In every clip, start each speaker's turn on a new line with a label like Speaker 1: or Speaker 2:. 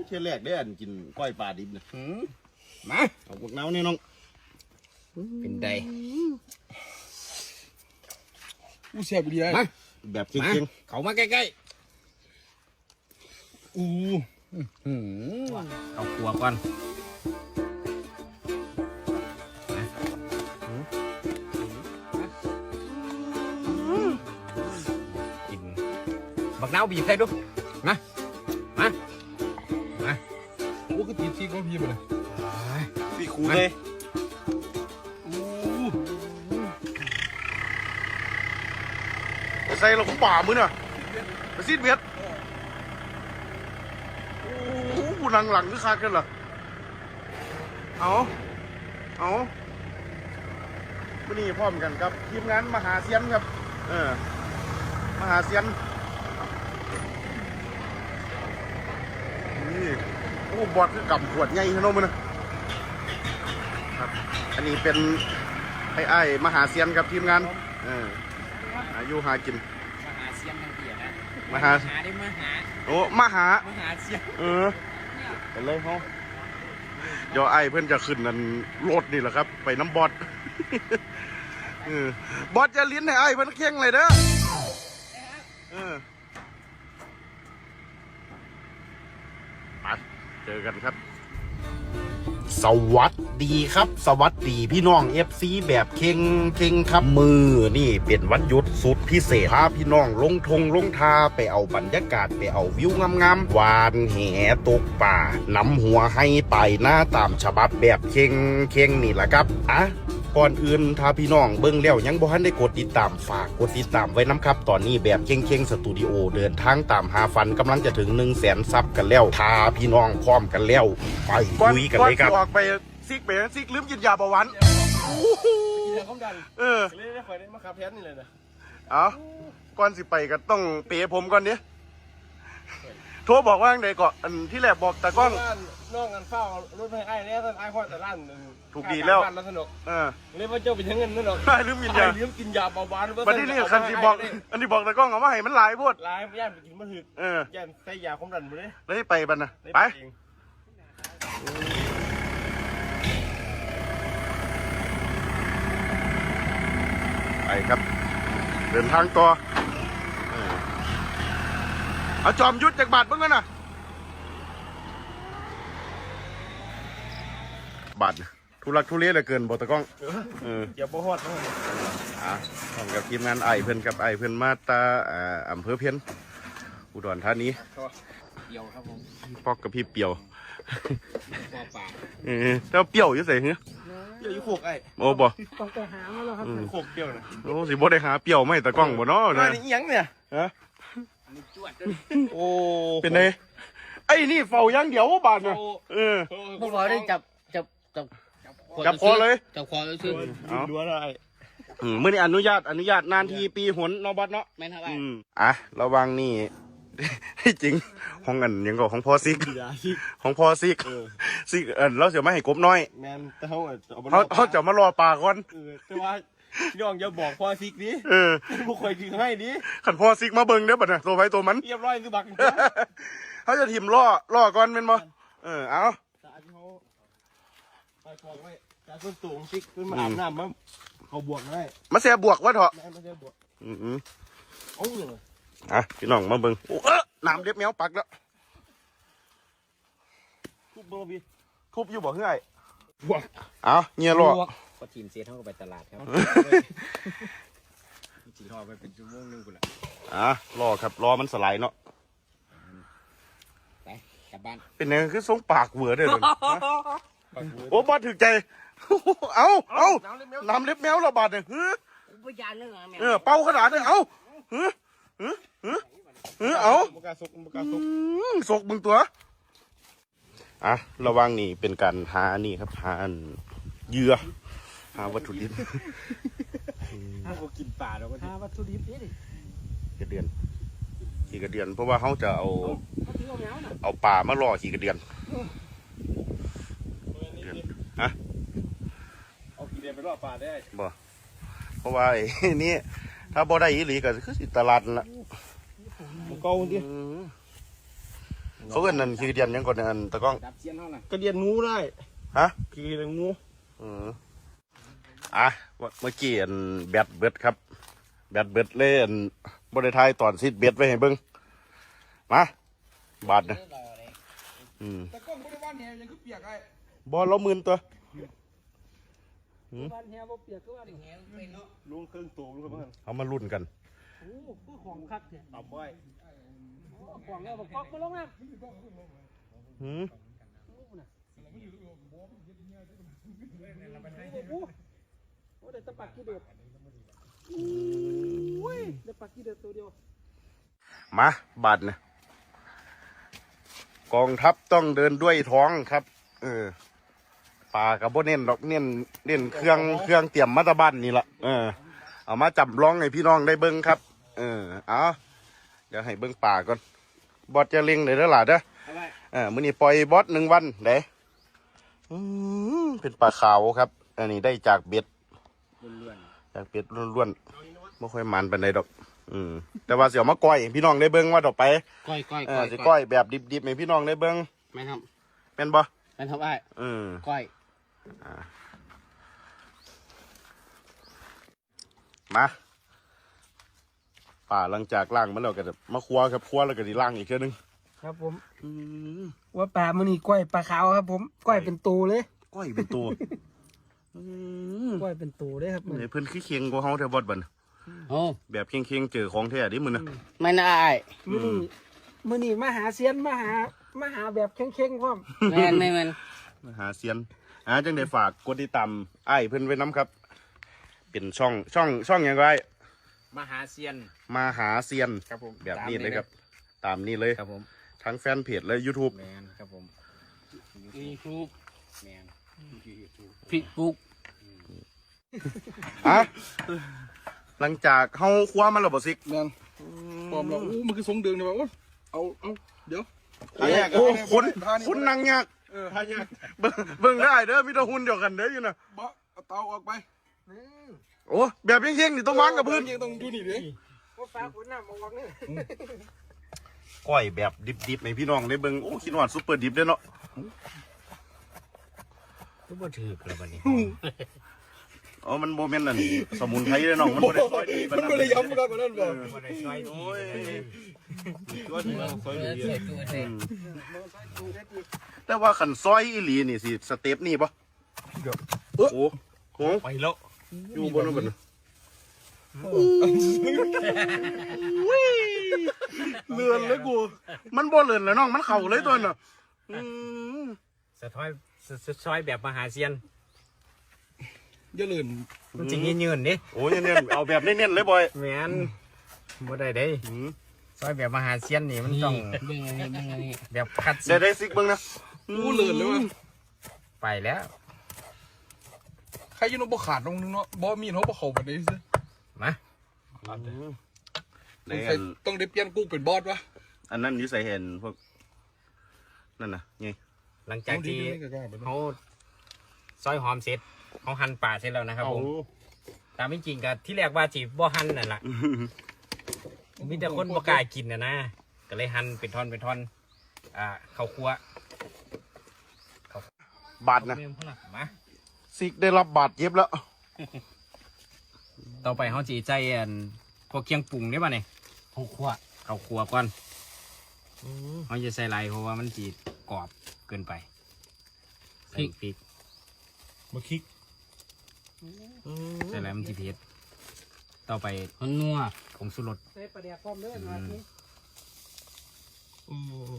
Speaker 1: เช่นแรกได้อันกินก้อยปลาดิบนะ
Speaker 2: มา
Speaker 1: เอาพวกน้ำนี่น้อง
Speaker 2: เป็นได
Speaker 3: อู้เสียบดีเลย
Speaker 1: แบบจริง
Speaker 2: ๆเขามาใกล้
Speaker 3: ๆอู้
Speaker 2: เอาครัวก่อนกินบักน้าวบีบให้ดูมา
Speaker 3: โอ้ก็ตีทีก็พี่มาเลย
Speaker 1: พี่คูเลยใส่เราป่ามือน่ะไปซีดเบ็ดโอ้โหหลังคือคาดกันเหรอเอาวันนี้พร้อมกันครับทีมงานมหาเซียนครับมหาเซียนนี่โอ้บอดคือกำขวดใหญ่ขนาดนั้นนะครับอันนี้เป็นไอ้มหาเซียนกับทีมงานอายุหากิน
Speaker 2: มหาเซียนทั้งเปียนะ
Speaker 1: มหา
Speaker 2: ได้มหา
Speaker 1: โอ้มหา
Speaker 2: เซียน
Speaker 1: กันเลยเขาเดี๋ยวไอ้เพื่อนจะขึ้นนั่นรถนี่แหละครับไปน้ำบอดบอดจะลิ้นให้ไอ้เพื่อนเคียงเลยเด้อไปเจอกันครับสวัสดีครับสวัสดีพี่น้อง FC แบบเข่งครับมือนี่เป็นวันหยุดสุดพิเศษพาพี่น้องลงทาไปเอาบรรยากาศไปเอาวิวงามๆวานแหตกป่านำหัวให้ไปหน้าตามฉบับแบบเข่งนี่แหละครับก่อนอื่นถ้าพี่น้องเบิ่งแล้วยังบ่ทันได้กดติดตามฝากกดติดตามไว้น้ำครับตอนนี้แบบเข่งสตูดิโอเดินทางตามหาฟันกำลังจะถึง 100,000 ซับกันแล้วถ้าพี่น้องพร้อมกันแล้วไปลุยกันเลยครับออกไปซิกลืมกินยาเบาหวาน
Speaker 3: กินยาความดันเลยได้คอยได้มาขับแพทนี่เลยนะ
Speaker 1: ก่อนสิไปก็ต้องเป๋ผมก่อนเนี้ยโทรบอกว่าไงก่อนอันที่แรกบอกตากล้อง
Speaker 3: น้องกันเฝ้ารถไฟไอ้เนี่ยท่านไอ้ข้อแต่ร้าน
Speaker 1: ถูกดีแล้ว
Speaker 3: สนุกเลยว่าเจ้าเป็นยังเงินนั่นหรอ
Speaker 1: ลืมกินยา
Speaker 3: เบาหวาน
Speaker 1: วันนี้นี่คันที่บอกอันที่บอกตากล้องเอามาให้มันหลายพูด
Speaker 3: หลายย่านไปกินมะฮึกย่านใส่ยาความดันมาเลย
Speaker 1: ได้ไปบันนะไปไปครับเดินทางต่อเอาจอมยุทธจากบาทเพิ่งกันนะบาททุลักทุเลเหลือเกินบอตะก้อง
Speaker 3: อย่าบ่ฮอดนะ
Speaker 1: พร้อมกับทีมงานไอเพิ่นกับไอเพิ่นมาตาอำเภอเพี้ยนอุดรธานี
Speaker 2: เปียวครับผม
Speaker 1: ปอกกับพี่เปียว
Speaker 2: ปอป่า
Speaker 1: เจ้าเปียวอยู่ใส่เฮ้ย
Speaker 3: เปียวอยู่โขกไอ้
Speaker 1: โอ้บ่
Speaker 3: ต้องไปหามาแล้วครับโขกเปียวนะ
Speaker 1: โอ้สิบ่ได้หาเปียวไม่ตะก้องบ่เนาะ
Speaker 3: นี่ยังเนี่ย
Speaker 1: โอ้เป็นไงไอ้นี่เฝ้ายังเดี๋ยวบาทเนี่ย
Speaker 2: พวกเราได้จับ
Speaker 1: คอเลย
Speaker 2: จับคอเลยซึ่ง
Speaker 3: ดูอะไร
Speaker 1: เมื่อนี้อนุญาตนานทีปีหนนบอสเนาะ
Speaker 2: แม่นครับ
Speaker 1: ระวังนี่จริงห้องอันยังก็ของพ่อซิกของพ่อซิกเราเสียไม่ให้กบน้อย
Speaker 3: แม่นแต่
Speaker 1: เขาจะมารอปลาก่อน
Speaker 3: แต่ว่าพี่น้องอย่าบอกพ่อซิกดิผู้คอยกินให้ดิ
Speaker 1: ขันพ่อซิกมาเบิ่งเด้อบัดน่ะตัวไว้ตัวมัน
Speaker 3: เรียบร้อยคือบัก
Speaker 1: เขาจะถิ่มล่อก่อนเป็นบ่เอา
Speaker 3: ไปฟองไว้จากต้นสูงซิกขึ้นมาอาบน้ำมั้งเขาบวกได้
Speaker 1: มาเสียบวกวะเถอะ
Speaker 3: มาเสียบวก
Speaker 1: โอ้ยพี่น้องมาเบิ่งโอ้น้ำเล็บแมวปักแล้ว
Speaker 3: ทุบบ่พี่
Speaker 1: ทุบอยู่บ่เฮ้ย
Speaker 3: บวก
Speaker 1: เงี้ยรอ
Speaker 2: ก็ทีมเสียเท่ากับไปตลาดครับจีรอไปเป็นชั่วโมงนึงกูแหละ
Speaker 1: รอครับรอมันสไลด์เนาะ
Speaker 2: ไปกลับบ้าน
Speaker 1: เป็นไงคือทรงปากเหวอเด้อโอ้บาดถึกใจเอาน้ำเล็บแมวระบาดเนี่ยเป่าขนาดเนี่ยเอาสกมึงตัวระวังนี่เป็นการหานี่ครับหาเหยื่อหาวัตถุดิบ
Speaker 3: ถ้าเรากินป่าเราก็หาวัตถุดิบนี่
Speaker 1: กระเดือนขี่กระเดือนเพราะว่าเขาจะเอาป่ามาล่อขี่กระเดือน
Speaker 3: เอาขี่กระเดือนไปล่อป่าได้
Speaker 1: บ่เพราะว่าไอ้นี่ถ้าบ่ได้อีหลีก็คือสิตลาดละ
Speaker 3: เก่าดิ
Speaker 1: เขาเอิ้นนั่นคือเดียนยังก่อนอันตะก้อง
Speaker 2: ดับเสียนเท่านั้น
Speaker 3: กระเดียนงูได้
Speaker 1: ฮะ
Speaker 3: คือเดียนงู
Speaker 1: เมื่อกี้อันแบตเบิดครับ แบตเบิดเล่นบริทายตอนซิดเบ็ดไว้ให้เบิ่งมาบาทนะ
Speaker 3: แต่ก้องบริวารเนี่ยยังคือเปียกไอ้
Speaker 1: บอลเราหมื่นตัว
Speaker 4: บ้านเฮียบ่เปียกคือว่าแหงเป็นเนาะ
Speaker 3: ลุงเครื่องตัวลุงเครื่อง
Speaker 1: เอามาลุ้นกัน
Speaker 4: โอ้คือของคักเนี่ย
Speaker 3: ต่ำไว้
Speaker 4: ของแล้วบ่กอกมาลงน้ำ
Speaker 1: หืม
Speaker 4: โอ้ได้ตะปักกี่เดือดโอ้ยได้ปักกี่เดือดตัวเดียว
Speaker 1: มาบาทนะกองทัพต้องเดินด้วยท้องครับ ป่ากับโบเน้นดอกเน้นเครื่องเตรียมมาตาบ้านนี่ละเอามาจับร้องให้พี่น้องได้เบิ้งครับเอาเดี๋ยวให้เบิ้งป่าก่อนบอสจะเล็งเลยเด้อหล่ะเด้อมื้อนี้ปล่อยบอส1 วันเด้เป็นปลาขาวครับ อันนี้ได้จากเบ็ดจากเบ็ดล้วนๆไม่ค่อยมันปานใดดอกแต่ว่าเสียวมาก้อยให้พี่น้องได้เบิ้งว่าดอกไป
Speaker 2: ก้อย
Speaker 1: สิก้อยแบบดิบๆให้พี่น้องได้เบิ้ง
Speaker 2: ไม่ท
Speaker 1: เป็นบ่
Speaker 2: ำไม่ทำไอ้ก้อย
Speaker 1: มาป่าหลังจากล่างมันแล้วก็จะมาครัวครับครัวแล้วก็ดีล่างอีกเทื่อนึง
Speaker 4: ครับผมว่าปลามื้อนี้ก้อยปลาขาวครับผมก้อยเป็นตูเลย
Speaker 1: ก้อยเป็นตัว
Speaker 4: ก้อยเป็นตูเลยครับมื้อ
Speaker 1: เดี๋
Speaker 4: นี้
Speaker 1: ยวเพิ่นขี้เคียงกว่าเฮาแถวบอดบัน
Speaker 2: โอ้
Speaker 1: แบบเคียงๆเจอของแท้ดิมื้อน่ะ
Speaker 2: ไม่น่าไอ้
Speaker 4: มื้อนี้มาหาเซียนมาหาแบบเข่งๆพร้อม
Speaker 2: แม่น
Speaker 1: มาหาเซียนจังได้ฝากกดติดตามอ้ายเพิ่นไว้นํครับ เป็นช่องหยังก็ได้
Speaker 2: มหาเซียน
Speaker 1: มาหาเซียน
Speaker 2: ครับผม
Speaker 1: แบบนี้เลยครับ ตามนี้เลย
Speaker 2: ครับผม
Speaker 1: ทั้งแฟนเพจและ YouTube
Speaker 2: แมนครับผมยูทูบแมนฟิกบุ๊ก
Speaker 1: หลังจากเฮาครัวมันแล้วบ่ซิก
Speaker 3: แมนปลอมแล้วมันคือทรงเดิมเลยว่าเอาเดี๋ยว
Speaker 1: โอ้คนนั่งยาก
Speaker 3: ทายาก
Speaker 1: เบิ่งได้เด้อมีแต่หุ่นเดียวกันเด้ออยู่น่ะ
Speaker 3: บ่เอาเตาออกไป
Speaker 1: โอ้แบบเคียงๆนี่ต้องวางกับพื้น
Speaker 3: ยังต้องดูนี่ดิ
Speaker 4: ว่าปลาขนน้ำมาวางนี่
Speaker 1: ก้อยแบบดิบๆให้พี่น้องได้เบิ่งโอ้คิดว่าซุปเปอร์ดิบเด้อเนาะ
Speaker 2: ก็บ่ถือเลยวันนี้
Speaker 1: อ๋อมันโมเมนต์นั่นสมุนไพรเด้อน้องมันบ่ได้ซอยดี
Speaker 3: มันไม่ได้ย้ำกันกว่านั้นบ่
Speaker 2: บ่ได้ช่วย
Speaker 1: โอ้ย
Speaker 3: ตัวนี้ซอยดี
Speaker 1: แต่ว่าขันซอยอีหลีนี่สิสเต็ปนี่ปะโอ้โห
Speaker 3: ไปแล้ว
Speaker 1: อยู่บนนู้นบนนู้นเลื่อนเลยกูมันบ่เลื่อนแล้วน้องมันเข่าเลยตัวน่ะ
Speaker 2: สะท้อยซอยแบบมหาเซียน
Speaker 3: อย่าเลื่อน
Speaker 2: มันจริงยืนดิ
Speaker 1: โอ้ยเนี่ยเอาแบบเน้นๆเลยบอย
Speaker 2: แมนบ่ได้เด้ซอยแบบมหาเซียนนี่มันต้องแบบคัด
Speaker 1: ได้ซิกเบิ่งนะ
Speaker 3: กูเลื่อนเลยวะ
Speaker 2: ไปแล้ว
Speaker 3: ใครยังบ่ขาดตรงนึงเนาะบ่มีเขาบ่เข้าไปได้ซิ
Speaker 2: มา
Speaker 3: ต้องได้เปลี่ยนกูเป็นบอสวะ
Speaker 1: อันนั้นอยู่ใส่เห็นพวกนั่นน่ะไง
Speaker 2: หลังจากที่เขาซอยหอมเสร็จเขาหั่นปลาเสร็จแล้วนะครับผมตามไม่จริงกับที่แรกว่าจีบ่หั่นนั่นแหละมีแต่คนบ่กล้ากินนะก็เลยหั่นเป็นท่อนข้าวคั่ว
Speaker 1: บาดนะ
Speaker 2: มา
Speaker 1: ซิกได้รับบาดเจ็บแล้ว
Speaker 2: ต่อไปเขาจีใจพวกเคียงปรุงได้ป่ะเนี่ยข้าวคั่วก่อนเขาจะใส่ไรเพราะว่ามันจีกรอบเกินไปใส่พริก
Speaker 3: มาคิก
Speaker 2: ใส่ไรมันจีเผ็ดต่อไปนัวผงชูรส
Speaker 4: ใส่ปลาแดกพร้อมเด้อมาที
Speaker 3: โอ้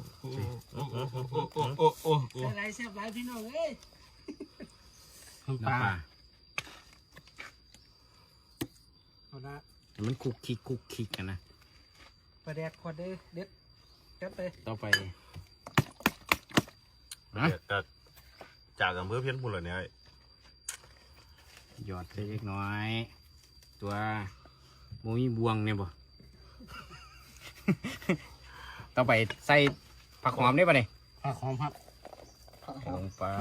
Speaker 4: ใส่หลายแซ่บหลายพี่น้องเอ้ย
Speaker 2: น้ำปลา
Speaker 4: เอาละ
Speaker 2: มันคุกคิกกันนะ
Speaker 4: ปลาแดกขอดเด้อเด็ดจัดไป
Speaker 2: ต่อไป
Speaker 1: จากอำเภอเพี้ยนพุ่นเลยเนี่ย
Speaker 2: หยอดเล็กน้อย ตัวโมมีบวงเนี่ยบ่ ต่อไปใส่ผักหอมได้ป่ะเนี่ยผักหอมครับลงไป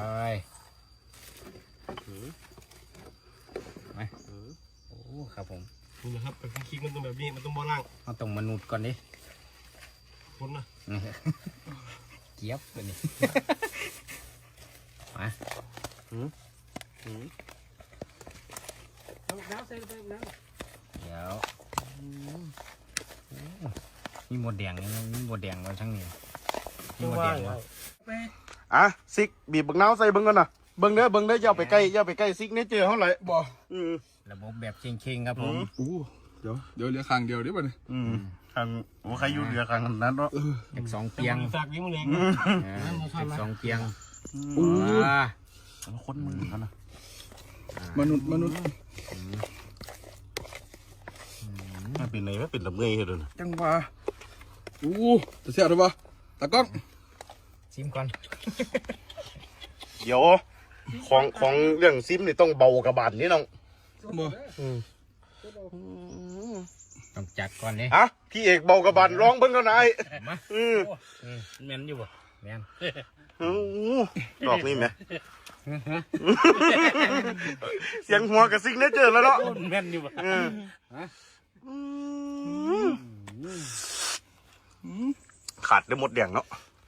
Speaker 2: ไปโอ้ครับผม
Speaker 3: นี่นะครับเป็นคิกมันต้องแบบนี้มันต้องบ่ล่าง
Speaker 2: เอาตรงมนุษย์ก่อนดิ
Speaker 3: คนนะ
Speaker 2: นี่เกี๊ยบตัวนี้ มา
Speaker 4: น้ำใส่ไปน้
Speaker 2: เดี๋ยวมีหมดแดงนี่มีหมดแดงเราทั้งนี้มีหมดแดงวะ
Speaker 4: ำไป
Speaker 1: อ่ะซิกบีบบักนาวใส่เบิ่งก่อนน่ะเบิ่งเด้ออย่าไปใกล้ซิกเนเจอร์เฮาเลยบ่
Speaker 2: ระบบแบบเชิงๆครับผม
Speaker 5: อู้เดี๋ยวเหลือข้างเดียวเดี๋ยวบ่เนี่ย
Speaker 1: ทางโอ้ใครอยู่เหลือข้างนั้นเนาะ
Speaker 2: จากสองเปียง
Speaker 4: ฝากวิ่งมาเลย
Speaker 2: จากสองเปียง
Speaker 5: อู้
Speaker 1: คนมือกันนะ
Speaker 5: มนุษย์
Speaker 1: ไม่เป็นไรไม่เป็นลำเงยเลยนะ
Speaker 5: จังหวะอู้จะเสียหรือเปล่าตากล้อง
Speaker 2: ชิมก่อน
Speaker 1: เดี๋ยวของเรื่องซิมนี่ต้องเบากระบาดนี่น้อง
Speaker 5: บ่
Speaker 2: ต้องจัดก่อนเลย
Speaker 1: อ่ะพี่เอกเบากระบาดร้องเบิ่งกันหน่อย
Speaker 2: มาแมนอยู่บ่แมน
Speaker 1: ดอกนี่ไหมเสียงหัวกับซิกเนเจอร์แล้วเนาะ
Speaker 2: แมนอยู่บ่
Speaker 1: ขาดได้หมดแดงเนาะ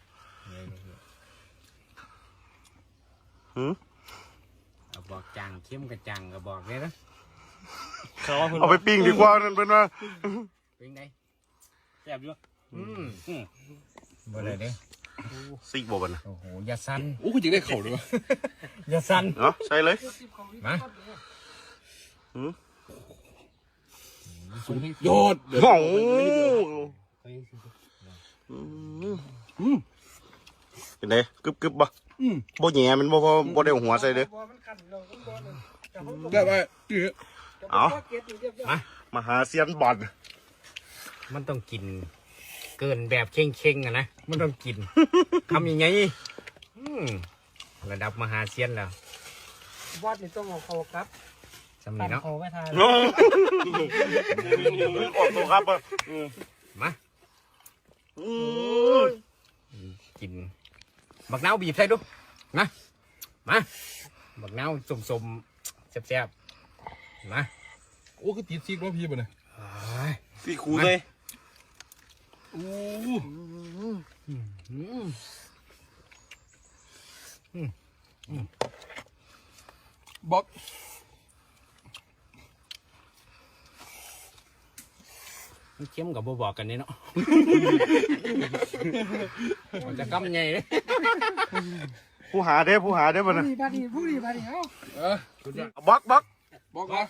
Speaker 2: เอาบอกจังเข้มกับจังก็บอกเลยนะ
Speaker 1: เอาไปปิ้งดีกว่านั่นเป็นว่า
Speaker 2: เป็นไง
Speaker 3: แซ่บอยู่
Speaker 2: บ่ได้เด้
Speaker 1: ซิกบ่บันนะ
Speaker 2: โอ้โหอย่าสั่น
Speaker 5: อู้คือจะได้เข่าหรือเปล่า
Speaker 2: อย่าสั่น
Speaker 1: เนาะใช่เลย
Speaker 2: มา
Speaker 5: โยดเดี๋ยว
Speaker 1: โอ้เป็นไงกึบบ่บ่แหย่มันบ่ได้หัวใส่เด้อ
Speaker 4: มันขันเราต้องบอลเลย
Speaker 5: ได้ไปนี่
Speaker 1: เอามาหาเซียนบอล
Speaker 2: มันต้องกิน เกินแบบเข่งๆอะนะมันต้องกินทำยังไงระดับมหาเซียนแล้ว
Speaker 4: บอลนี่ต้องเอาเขาครับ
Speaker 2: สำ
Speaker 4: ตั
Speaker 2: นี
Speaker 4: ด
Speaker 2: เนาะ
Speaker 4: เขาไว้ทาน
Speaker 1: ออกตัวครับ
Speaker 2: มากินบักนาวบีบใส่ดูนะมาบักนาวสมๆแซ่บๆมา
Speaker 5: โอ้คือติดซิกว่าพี่บ่เนี่ย
Speaker 1: พี่ครูเลย
Speaker 5: บล็อก
Speaker 2: มันเข้มกับบ่บอกกันนี่เนาะ มันจะกำไงเลย
Speaker 1: ผู้หาเด้บ่นะ
Speaker 4: บาดีผู้ดีบาดีเอา
Speaker 1: บัก
Speaker 5: บล็อกนะ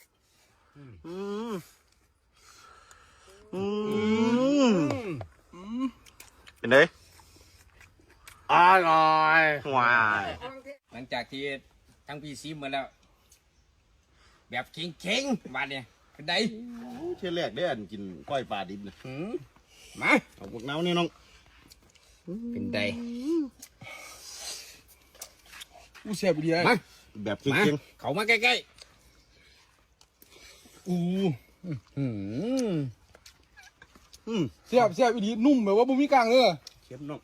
Speaker 1: เป็นไงอร่อยว้าย
Speaker 2: หลังจากที่ทั้งพี่ซีมาแล้ว แบบเข่งๆมาเนี่ยเป็นไง
Speaker 1: เที่ยแรกได้อันกินก้อยปลาดิบนะ
Speaker 2: มา
Speaker 1: เอาพวกน้านี่น้อง
Speaker 2: เป็นไง
Speaker 5: อู้เสียบดีไอ้
Speaker 2: มา
Speaker 1: แบบ
Speaker 2: มา
Speaker 1: เก่ง
Speaker 2: เขามาใกล้
Speaker 5: อู้
Speaker 2: ๆ
Speaker 5: เสียบดีนุ่มแบบว่าบ่มีกลางเลย
Speaker 1: เข้มน้อง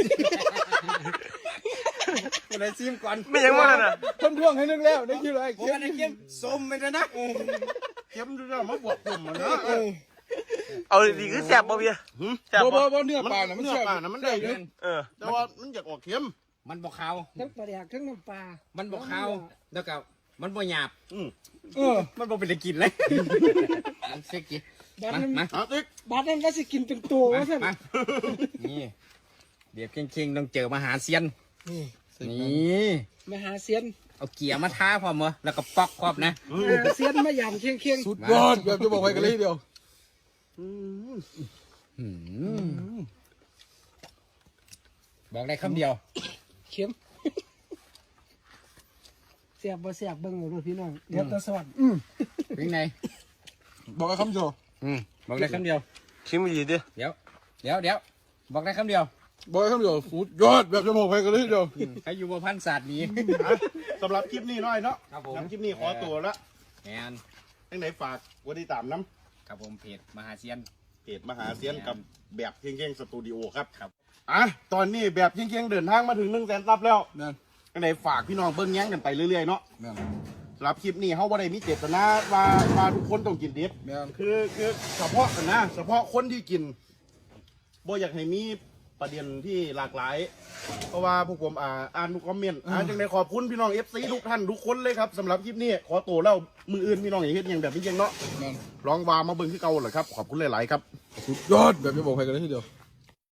Speaker 2: อะไรซีมก่อน
Speaker 1: ไม่ยังว่าน่ะ
Speaker 5: ท่านท่วงให้นึงแล้วได้คิวอะไร
Speaker 2: ผมอันนี้เข้มส้มไปแล้วนะ
Speaker 1: เข้มด้วยมาบวกกลุ่มมันนะ
Speaker 6: เอาดีๆคือแซ่บบ่เบียแซ่บ
Speaker 5: บ่
Speaker 6: บ่
Speaker 5: บ่เนื้อปลาน่ะมัน
Speaker 1: เนื้อ
Speaker 5: เสียบ
Speaker 1: ปลานะมันได้เยอะ
Speaker 6: เออ
Speaker 1: แต่ว่ามันอยากออกเข้ม
Speaker 2: มันบอกขาว
Speaker 4: ทั้งปลาแดกทั้งน้ำปลา
Speaker 2: มันบอกขาวแล้วก็มันบ่หยาบ
Speaker 5: เออ
Speaker 2: มันบ่เป็นได้กินเลยมันเซ็กกี้
Speaker 4: บาด
Speaker 2: มา
Speaker 4: นั้น
Speaker 2: มา
Speaker 1: เอาติ๊ก
Speaker 4: บาดนั้นก็สิกินเป็นตัวว่าท่าน
Speaker 2: มานี่เบียบเข่งๆต้องเจอมหาเซียน
Speaker 4: นี่
Speaker 2: นี่
Speaker 4: มหาเซียน
Speaker 2: เอาเกียร์มาท้าพร้อมเหรอแล้วก็ปอกครอบนะ
Speaker 4: มหาเซียนมายำเคียงเคียง
Speaker 5: สุดยอดแบบจะบอกไปกันเลยเดียว
Speaker 2: บอกได้คำเดียว
Speaker 4: เข็มเสียบบ่เสียบเบิ่งเลยพี่น้องเดี๋ยวตะสวรรค์
Speaker 2: เป็นไง
Speaker 5: บอกไอ้คำโจ
Speaker 2: บอกได้คำเดียว
Speaker 6: ชิมดีดิ
Speaker 2: เดี๋ยวบอกได้คำเดียว
Speaker 5: บอกไอ้คำโจสุดยอดแบบจะบอกไปกันเลยเดียว
Speaker 2: ใครอยู่บนพันศาสตร์นี้
Speaker 1: สำหรับคลิปนี้น้อยเนาะ
Speaker 2: ครับผม
Speaker 1: สำหรับคลิปนี้ขอตัวละ
Speaker 2: แมน
Speaker 1: ทั้งไหนฝากกดติดตามน้
Speaker 2: ครับผมเพจมหาเซียน
Speaker 1: ำเพจมหาเซียนกับแบบเคียงๆสตูดิโอครับ
Speaker 2: ครับ
Speaker 1: อ่ะตอนนี้แบบเคียงๆเดินทางมาถึง100,000 ซับแล้ว
Speaker 5: นั่น
Speaker 1: ทั้งไหนฝากพี่น้องเบิ้งแย้งกันไปเรื่อยๆเนาะ
Speaker 5: นั่น
Speaker 1: สำหรับคลิปนี้เขาบ่ได้มีเจตนาว่าทุกคนต้องกินดิบ
Speaker 5: นั่น
Speaker 1: คือเฉพาะกันนะเฉพาะคนที่กินบ่อยากให้มีประเด็นที่หลากหลาย เพราะว่าพวกผมอ่านทุกคอมเมนต์จังได้ขอบคุณพี่น้อง FC ทุกท่านทุกคนเลยครับสำหรับคลิปนี้ขอตัวแล้วมืออื่นพี่น้องอย่าเฮ็ดอย่างแบบนี้ยังเนาะ
Speaker 5: นั่น
Speaker 1: ลองวามาเบิ่งที่เก่าเหรอครับขอบคุณหลายๆครับ
Speaker 5: สุดยอดแบบไม่บอกใครกันเลยทีเดียว